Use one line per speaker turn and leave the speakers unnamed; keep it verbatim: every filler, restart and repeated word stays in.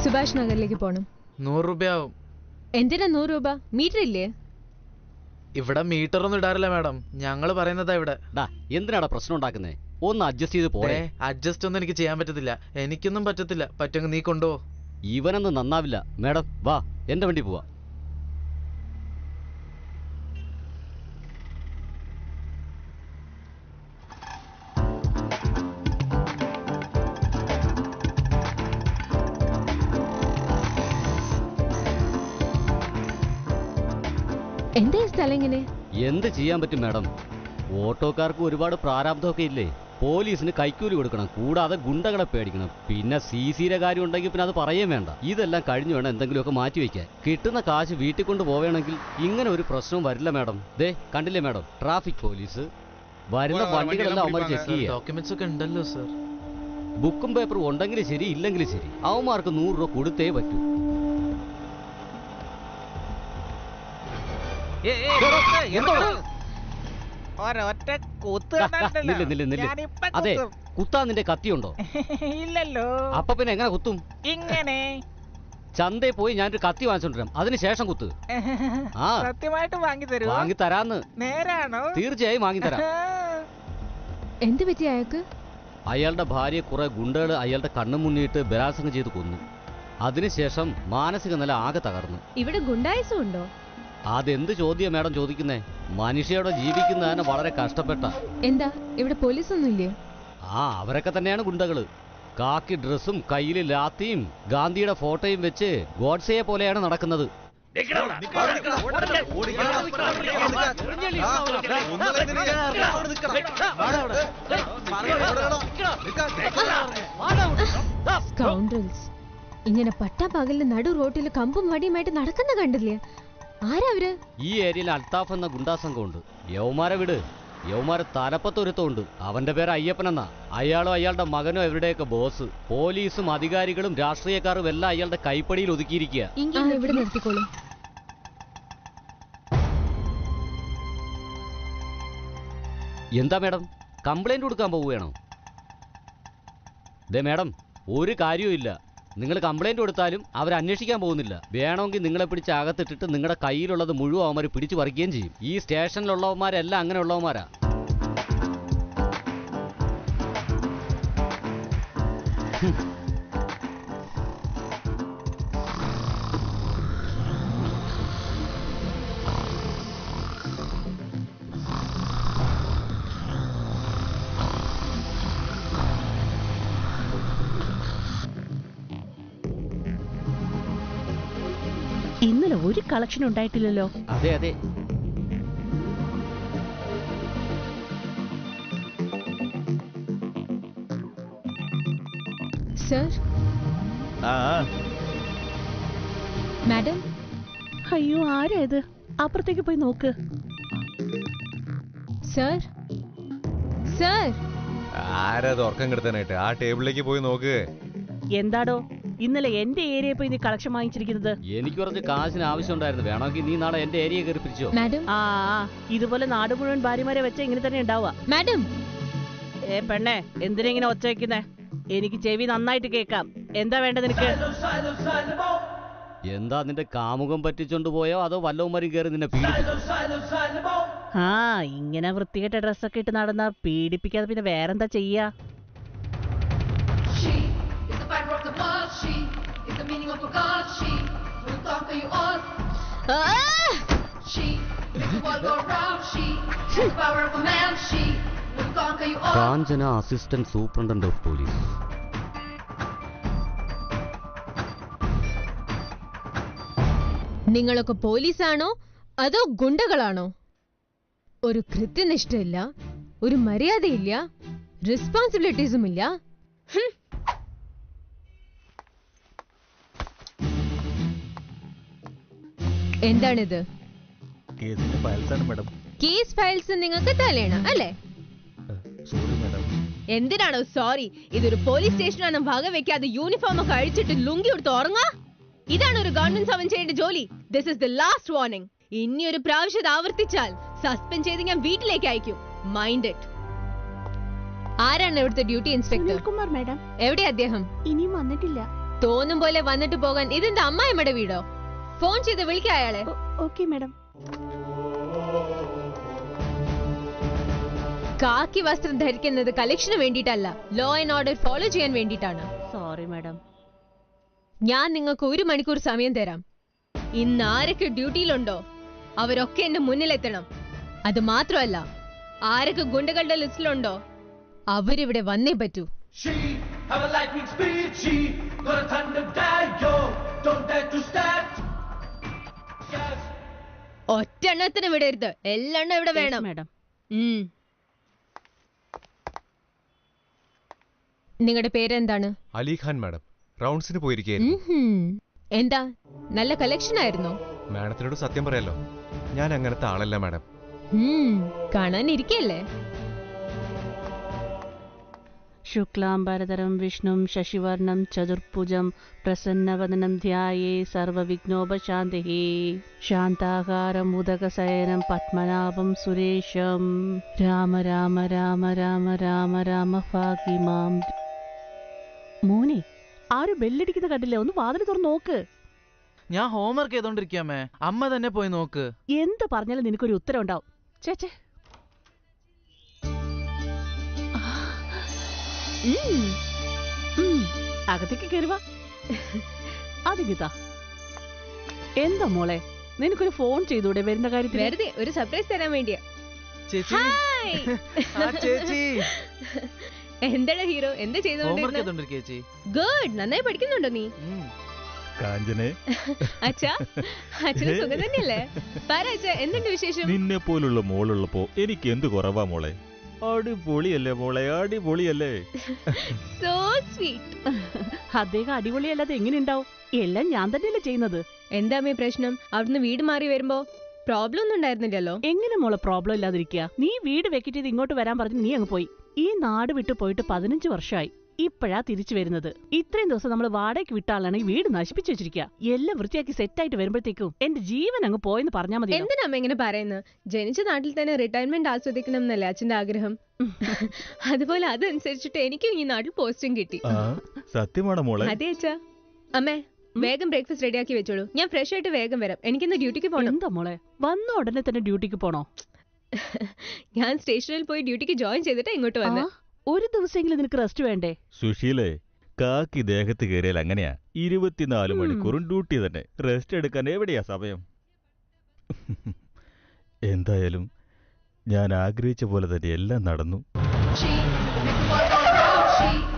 സുഭാഷ് നഗറിലേക്ക് പോണം.
നൂറ് രൂപയാവും.
എന്തിനാ നൂറ് രൂപ? മീറ്റർ ഇല്ലേ?
ഇവിടെ മീറ്റർ ഒന്നും ഇടാറില്ല മാഡം, ഞങ്ങള് പറയുന്നതാ ഇവിടെ.
എന്തിനാടാ പ്രശ്നം ഉണ്ടാക്കുന്നേ? ഒന്ന് അഡ്ജസ്റ്റ് ചെയ്ത് പോരെ.
അഡ്ജസ്റ്റ് ഒന്നും എനിക്ക് ചെയ്യാൻ പറ്റത്തില്ല, എനിക്കൊന്നും പറ്റത്തില്ല. പറ്റുമെങ്കിൽ നീ കൊണ്ടുപോ.
ഇവനൊന്നും നന്നാവില്ല. മാഡം വാ, എന്റെ വണ്ടി പോവാ.
എന്താ സ്ഥലം ഇങ്ങനെ?
എന്ത് ചെയ്യാൻ പറ്റും മാഡം? ഓട്ടോക്കാർക്ക് ഒരുപാട് പ്രാരാബ്ദമൊക്കെ ഇല്ലേ? പോലീസിന് കൈക്കൂലി കൊടുക്കണം, കൂടാതെ ഗുണ്ടകളെ പേടിക്കണം, പിന്നെ സി സിയുടെ കാര്യം ഉണ്ടെങ്കിൽ പിന്നെ അത് പറയുകയും വേണ്ട. ഇതെല്ലാം കഴിഞ്ഞു വേണം എന്തെങ്കിലുമൊക്കെ മാറ്റി വയ്ക്കാൻ. കിട്ടുന്ന കാശ് വീട്ടിൽ കൊണ്ട് പോവുകയാണെങ്കിൽ ഇങ്ങനെ ഒരു പ്രശ്നവും വരില്ല മാഡം. ദേ കണ്ടില്ലേ മാഡം, ട്രാഫിക് പോലീസ് വരുന്ന വണ്ടികളെല്ലാം അവന്മാർ ചെക്ക് ചെയ്യുക.
ഡോക്യുമെന്റ്സ് ഒക്കെ ഉണ്ടല്ലോ സർ.
ബുക്കും പേപ്പറും ഉണ്ടെങ്കിലും ശരി ഇല്ലെങ്കിലും ശരി അവന്മാർക്ക് നൂറ് രൂപ കൊടുത്തേ പറ്റൂ. അതെ, കുത്താൻ നിന്റെ കത്തിയുണ്ടോ?
ഇല്ലല്ലോ.
അപ്പൊ പിന്നെ എങ്ങനെ കുത്തും?
ഇങ്ങനെ
ചന്തയിൽ പോയി ഞാനൊരു കത്തി വാങ്ങിച്ചോണ്ടിരാം, അതിനുശേഷം കുത്ത്. ആ
സത്യമായിട്ട് വാങ്ങി തരൂ?
വാങ്ങി തരാന്ന്.
നേരാണോ?
തീർച്ചയായും വാങ്ങി തരാം.
എന്ത് പറ്റി അയാൾക്ക്?
അയാളുടെ ഭാര്യയെ കുറെ ഗുണ്ടകൾ അയാളുടെ കണ്ണു മുന്നിട്ട് ബലാത്സംഗം ചെയ്ത് കൊന്നു. അതിനുശേഷം മാനസിക നില ആകെ തകർന്നു.
ഇവിടെ ഗുണ്ടായസം ഉണ്ടോ?
അതെന്ത് ചോദ്യം മാഡം ചോദിക്കുന്നേ? മനുഷ്യയോടെ ജീവിക്കുന്നതിന് വളരെ കഷ്ടപ്പെട്ട.
എന്താ ഇവിടെ പോലീസ് ഒന്നും ഇല്ലയോ?
ആ അവരൊക്കെ തന്നെയാണ് ഗുണ്ടകള്. കാക്കി ഡ്രസ്സും കയ്യില് ലാത്തിയും ഗാന്ധിയുടെ ഫോട്ടോയും വെച്ച് ഗോഡ്സയെ പോലെയാണ് നടക്കുന്നത്.
ഇങ്ങനെ പട്ടാപ്പകലിന് നടു റോട്ടില് കമ്പും വടിയുമായിട്ട് നടക്കുന്ന കണ്ടില്ലേ? ആരാ അവര്?
ഈ ഏരിയയിൽ അൽത്താഫ് എന്ന ഗുണ്ടാ സംഘമുണ്ട്. യൗമാരെ വിട്, യൗമാരെ തലപ്പത്തൊരുത്തമുണ്ട്. അവന്റെ പേര് അയ്യപ്പനെന്നാ. അയാളോ അയാളുടെ മകനോ എവരുടെയൊക്കെ ബോസ്. പോലീസും അധികാരികളും രാഷ്ട്രീയക്കാരും എല്ലാം അയാളുടെ കൈപ്പടിയിൽ ഒതുക്കിയിരിക്കുക.
ഇവിടെ നിർത്തിക്കോളും.
എന്താ മാഡം, കംപ്ലൈന്റ് കൊടുക്കാൻ പോവുകയാണോ? ദേ മാഡം, ഒരു കാര്യവും ഇല്ല. നിങ്ങൾ കംപ്ലൈന്റ് കൊടുത്താലും അവർ അന്വേഷിക്കാൻ പോകുന്നില്ല. വേണമെങ്കിൽ നിങ്ങളെ പിടിച്ച് അകത്തിട്ടിട്ട് നിങ്ങളുടെ കയ്യിലുള്ളത് മുഴുവൻ അവന്മാർ പിടിച്ചു പറിക്കുകയും ചെയ്യും. ഈ സ്റ്റേഷനിലുള്ളവന്മാരെല്ലാം അങ്ങനെയുള്ളവന്മാരാ.
ഇന്നലെ ഒരു കളക്ഷൻ ഉണ്ടായിട്ടില്ലല്ലോ.
അതെ അതെ.
സർ. മാഡം.
അയ്യോ ആരാ ഇത്? അപ്പുറത്തേക്ക് പോയി നോക്ക്.
സർ. സർ.
ആരാ ഉറക്കം കിടത്താനായിട്ട്? ആ ടേബിളിലേക്ക് പോയി നോക്ക്.
എന്താടോ ഇന്നലെ എന്റെ ഏരിയയിൽ പോയി നീ കളക്ഷൻ വാങ്ങിച്ചിരിക്കുന്നത്?
എനിക്ക് കുറച്ച് കാശിന് ആവശ്യം ഉണ്ടായിരുന്നു. വേണമെങ്കിൽ നീ നാളെ എന്റെ ഏരിയ കയറി പിരിച്ചോ.
ആ ഇതുപോലെ നാട് മുഴുവൻ ഭാര്യമാരെ വെച്ച ഇങ്ങനെ തന്നെ ഉണ്ടാവുക.
മാഡം.
ഏ പെണ്ണെ, എന്തിനാ ഇങ്ങനെ ഒച്ച വെക്കുന്നേ? എനിക്ക് ചെവി നന്നായിട്ട് കേക്കാം. എന്താ വേണ്ടത് നിനക്ക്?
എന്താ നിന്റെ കാമുകം പറ്റിച്ചോണ്ട് പോയോ അതോ വല്ലവന്മാരും കയറി നിന്നെ പീഡിപ്പിച്ചോ?
ആ ഇങ്ങനെ വൃത്തികെട്ട ഡ്രസ്സൊക്കെ ഇട്ട് നടന്നാ പീഡിപ്പിക്കാതെ പിന്നെ വേറെന്താ ചെയ്യാ?
Kanchana assistant superintendent of police.
നിങ്ങളൊക്കെ പോലീസാണോ അതോ ഗുണ്ടകളാണോ? ഒരു കൃത്യനിഷ്ഠയില്ല, ഒരു മര്യാദയില്ല, റെസ്പോൺസിബിലിറ്റീസും ഇല്ല. എന്താണിത്? കേസ് ഫയൽസ് നിങ്ങൾക്ക് തലേണം അല്ലേ? എന്തിനാണോ സോറി? ഇതൊരു പോലീസ് സ്റ്റേഷനാണ്. ഭാഗം വെക്കാതെ യൂണിഫോം ഒക്കെ അഴിച്ചിട്ട് ലുങ്കി എടുത്ത് ഉറങ്ങാ? ഇതാണ് ഒരു ഗവൺമെന്റ് സർവന്റ് ചെയ്യേണ്ട ജോലി. This is the last warning. ഇനി ഒരു പ്രാവശ്യം ആവർത്തിച്ചാൽ സസ്പെൻഡ് ചെയ്ത് ഞാൻ വീട്ടിലേക്ക് അയക്കും. Mind it. ആരാണ് ഇവിടുത്തെ ഡ്യൂട്ടി ഇൻസ്പെക്ടർ?
കുമാർ മാഡം.
എവിടെ അദ്ദേഹം?
ഇനിയും വന്നിട്ടില്ല.
തോന്നും പോലെ വന്നിട്ട് പോകാൻ ഇതെന്താ അമ്മായിമ്മയുടെ വീടോ? ഫോൺ ചെയ്ത് വിളിക്ക അയാളെ.
Okay madam.
കാക്കി വസ്ത്രം ധരിക്കുന്നത് കളക്ഷന് വേണ്ടിയിട്ടല്ല, ലോ ആൻഡ് ഓർഡർ ഫോളോ ചെയ്യാൻ വേണ്ടിയിട്ടാണ്.
Sorry madam.
ഞാൻ നിങ്ങൾക്ക് ഒരു മണിക്കൂർ സമയം തരാം. ഇന്ന് ആരൊക്കെ ഡ്യൂട്ടിയിലുണ്ടോ അവരൊക്കെ എന്റെ മുന്നിലെത്തണം. അത് മാത്രമല്ല, ആരൊക്കെ ഗുണ്ടകളുടെ ലിസ്റ്റിലുണ്ടോ അവരിവിടെ വന്നേ പറ്റൂ. ഒറ്റെണ്ണത്തിന് വിടരുത്, എല്ലെണ്ണം ഇവിടെ വേണം.
മാഡം.
നിങ്ങളുടെ പേരെന്താണ്?
അലിഖാൻ മാഡം. റൗണ്ട്സിന് പോയിരിക്കുകയായിരുന്നു.
എന്താ നല്ല കളക്ഷൻ ആയിരുന്നോ?
മാഡത്തിനോട് സത്യം പറയാലോ, ഞാൻ അങ്ങനത്തെ ആളല്ല മാഡം.
കാണാനിരിക്കല്ലേ?
ശുക്ലാംബരധരം വിഷ്ണും ശശിവർണം ചതുർഭുജം പ്രസന്നവദനം ധ്യായേ സർവവിഘ്നോപശാന്തിഃ ശാന്താകാരം ഉദകശയനം പത്മനാഭം സുരേശം രാമ രാമ രാമ രാമ രാമ രാമ ഭാഗ്യമാം. മോനെ, ആരും ബെല്ലടിക്കുന്ന കണ്ടില്ലേ? ഒന്ന് വാതിൽ തുറന്ന് നോക്ക്.
ഞാൻ ഹോംവർക്ക് ചെയ്തോണ്ടിരിക്കാമേ, അമ്മ തന്നെ പോയി നോക്ക്.
എന്ത് പറഞ്ഞാലും നിനക്കൊരു ഉത്തരം ഉണ്ടാവും. ചേച്ചേ, അകത്തേക്ക് കയറുക. അതിങ്ങിതാ. എന്താ മോളെ, നിനക്കൊരു ഫോൺ ചെയ്തൂടെ വരുന്ന കാര്യത്തിൽ?
വെറുതെ ഒരു സർപ്രൈസ് തരാൻ വേണ്ടിയാ.
ചേച്ചി, ആ ചേച്ചി.
എന്താണ് ഹീറോ, എന്താ
ഹോംവർക്ക്
ചെയ്തോണ്ടിരുന്നത്?
ചെയ്തോണ്ടിരിക്കുക ചേച്ചി.
ഗുഡ്, നന്നായി പഠിക്കുന്നുണ്ടോ നീ?
ഉം.
കാഞ്ചനെ,
അച്ഛാ, അച്ഛന് സുഖം തന്നെയല്ലേ? പറ അച്ഛാ, എന്തുണ്ട് വിശേഷം?
നിന്നെ പോലുള്ള മോളുള്ളപ്പോ എനിക്ക് എന്ത് കുറവാ മോളെ? അടിപൊളിയല്ലേ മോളെ, അടിപൊളിയല്ലേ?
So sweet.
അദ്ദേഹം അടിപൊളിയല്ലാതെ എങ്ങനെ ഉണ്ടാവും? എല്ലാം ഞാൻ തന്നെയല്ലേ ചെയ്യുന്നത്.
എന്താ അമ്മേ പ്രശ്നം? അവിടുന്ന് വീട് മാറി വരുമ്പോ പ്രോബ്ലം ഒന്നും ഉണ്ടായിരുന്നില്ലല്ലോ.
എങ്ങനെ മോളെ പ്രോബ്ലം ഇല്ലാതിരിക്കുക? നീ വീട് വെക്കിട്ട് ഇത് ഇങ്ങോട്ട് വരാൻ പറഞ്ഞു നീ അങ്ങ് പോയി. ഈ നാട് വിട്ടു പോയിട്ട് പതിനഞ്ച് വർഷമായി. ഇപ്പോഴാ തിരിച്ചു വരുന്നത്. ഇത്രയും ദിവസം നമ്മൾ വാടകയ്ക്ക് വിട്ട ആളാണെങ്കിൽ വീട് നശിപ്പിച്ചു വെച്ചിരിക്കുക. എല്ലാം വൃത്തിയാക്കി സെറ്റായിട്ട് വരുമ്പോഴത്തേക്കും എന്റെ ജീവൻ അങ്ങ് പോയെന്ന് പറഞ്ഞാൽ മതി.
എന്തിനാ അമ്മ ഇങ്ങനെ പറയുന്നത്? ജനിച്ച നാട്ടിൽ തന്നെ റിട്ടയർമെന്റ് ആസ്വദിക്കണം എന്നല്ലേ അച്ഛന്റെ ആഗ്രഹം? അതുപോലെ അതനുസരിച്ചിട്ട് എനിക്കും ഈ നാട്ടിൽ പോസ്റ്റും കിട്ടി.
സത്യമാണോ മോളെ?
അതെ അച്ഛാ. അമ്മേ, വേഗം ബ്രേക്ക്ഫാസ്റ്റ് റെഡിയാക്കി വെച്ചോളൂ. ഞാൻ ഫ്രഷ് ആയിട്ട് വേഗം വരാം. എനിക്കിന്ന് ഡ്യൂട്ടിക്ക് പോകണം.
എന്താ മോളെ, വന്ന ഉടനെ തന്നെ ഡ്യൂട്ടിക്ക് പോണോ?
ഞാൻ സ്റ്റേഷനിൽ പോയി ഡ്യൂട്ടിക്ക് ജോയിൻ ചെയ്തിട്ട് ഇങ്ങോട്ട് വന്നു.
ഒരു ദിവസമെങ്കിലും നിനക്ക് റെസ്റ്റ് വേണ്ടേ?
സുശീലേ, കാക്കി ദേഹത്ത് കയറിയാൽ അങ്ങനെയാ. ഇരുപത്തിനാല് മണിക്കൂറും ഡ്യൂട്ടി തന്നെ. റെസ്റ്റ് എടുക്കാൻ എവിടെയാ സമയം? എന്തായാലും ഞാൻ ആഗ്രഹിച്ച പോലെ തന്നെ എല്ലാം നടന്നു.